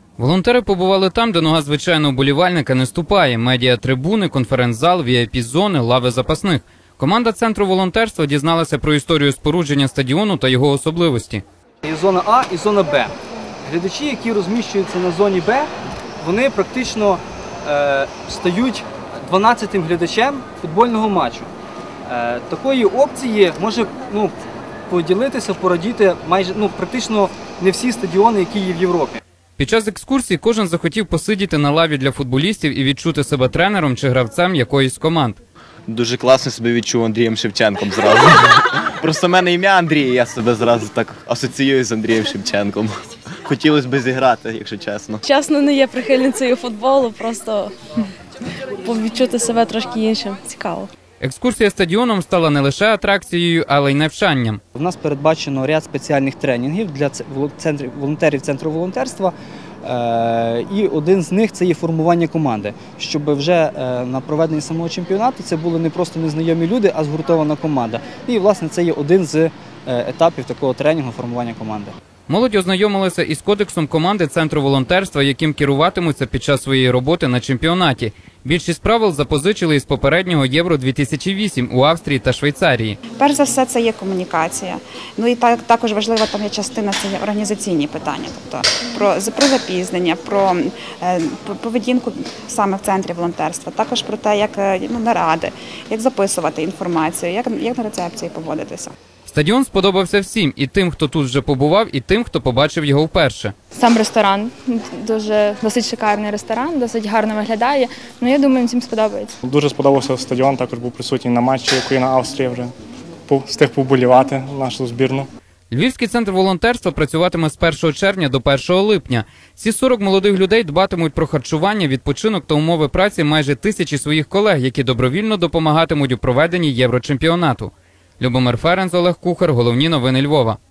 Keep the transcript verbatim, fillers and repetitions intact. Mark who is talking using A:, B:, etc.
A: Волонтери побували там, де нога звичайного вболівальника не ступає. Медіа-трибуни, конференц-зал, ві ай пі-зони, лави запасних. Команда Центру волонтерства дізналася про історію спорудження стадіону та його особливості.
B: І зона А, і зона Б. Глядачі, які розміщуються на зоні Б, вони практично е, стають дванадцятим глядачем футбольного матчу. Е, такої опції може ну, поділитися, порадіти майже ну, практично не всі стадіони, які є в Європі.
A: Під час екскурсії кожен захотів посидіти на лаві для футболістів і відчути себе тренером чи гравцем якоїсь з команд.
C: Дуже класно себе відчув Андрієм Шевченком зразу. Просто в мене ім'я Андрій, і я себе зразу так асоціюю з Андрієм Шевченком. Хотілося б зіграти, якщо чесно.
D: Чесно, не є прихильницею футболу, просто відчути себе трошки іншим. Цікаво.
A: Екскурсія стадіоном стала не лише атракцією, але й навчанням.
B: У нас передбачено ряд спеціальних тренінгів для волонтерів Центру волонтерства. І один з них – це є формування команди, щоб вже на проведенні самого чемпіонату це були не просто незнайомі люди, а згуртована команда. І, власне, це є один з етапів такого тренінгу – формування команди.
A: Молодь ознайомилася із кодексом команди Центру волонтерства, яким керуватимуться під час своєї роботи на чемпіонаті. Більшість правил запозичили із попереднього Євро дві тисячі вісім у Австрії та Швейцарії.
E: Перш за все, це є комунікація. Ну і так, також важлива там є частина, це є організаційні питання. Тобто про, про запізнення, про е, поведінку саме в Центрі волонтерства. Також про те, як ну, наради, як записувати інформацію, як, як на рецепції поводитися.
A: Стадіон сподобався всім – і тим, хто тут вже побував, і тим, хто побачив його вперше.
D: Сам ресторан, дуже, досить шикарний ресторан, досить гарно виглядає. Ну, я думаю, всім сподобається.
F: Дуже сподобався стадіон, також був присутній на матчі Україна-Австрія вже. Встиг поболівати нашу збірну.
A: Львівський центр волонтерства працюватиме з першого червня до першого липня. Ці сорок молодих людей дбатимуть про харчування, відпочинок та умови праці майже тисячі своїх колег, які добровільно допомагатимуть у проведенні Єврочемпіонату. Любомир Ференц, Олег Кухар. Головні новини Львова.